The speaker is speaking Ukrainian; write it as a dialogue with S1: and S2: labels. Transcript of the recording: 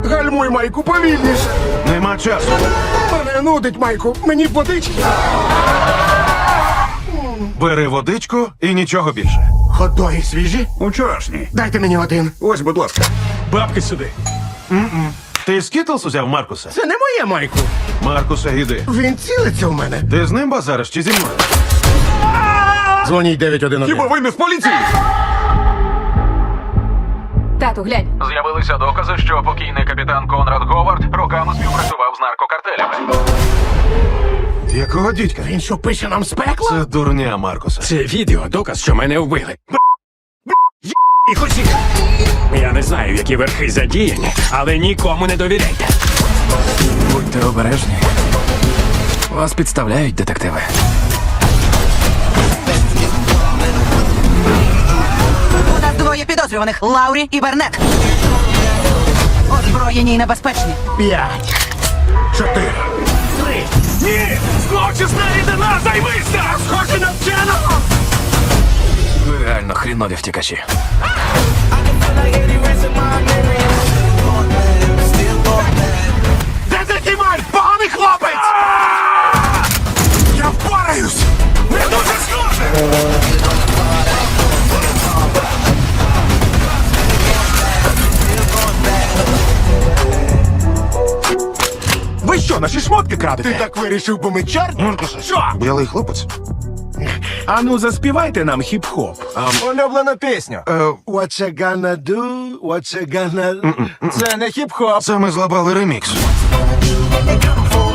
S1: Гальмуй, Майку, повільніше.
S2: Нема часу.
S1: Мене нудить, Майку. Мені б водички.
S2: Бери водичку і нічого більше.
S1: Ходоги свіжі?
S3: Учорашній.
S1: Дайте мені один.
S3: Ось, будь ласка.
S4: Бабки сюди.
S2: Ти скітлс узяв Маркуса?
S1: Це не моє, Майку.
S2: Маркуса, іди.
S1: Він цілиться в мене.
S2: Ти з ним базариш чи зі мною?
S1: Дзвоніть 911.
S3: Хіба ви не з поліції?
S5: Тату, глянь.
S6: З'явилися докази, що покійний капітан Конрад Говард роками співпрацював з наркокартелями.
S2: Якого дідька?
S1: Він що, пише нам з пекла?
S2: Це дурня Маркуса.
S4: Це відео доказ, що мене вбили. І хусі. Я не знаю, які верхи задіяні, але нікому не довіряйте. Будьте обережні. Вас підставляють, детективи.
S7: У нас двоє підозрюваних – Лаурі і Бернет. Озброєні і небезпечні.
S1: 5, 4,
S4: Ні! Злочисна рідина, займися! Схожі на вченого! Ви реально хрінові втікачі.
S1: Де ти Майк? Поганий хлопець! Я впораюсь!
S4: Не дуже схоже!
S3: Ви що, наші шмотки крадете?
S1: Ти так вирішив, бо ми чорні?
S3: Що?
S2: Білий хлопець?
S3: Ану, заспівайте нам хіп-хоп. Улюблену пісню.
S1: What you gonna do? What you gonna...
S3: Це не хіп-хоп.
S2: Це ми злабали ремікс.
S1: Come for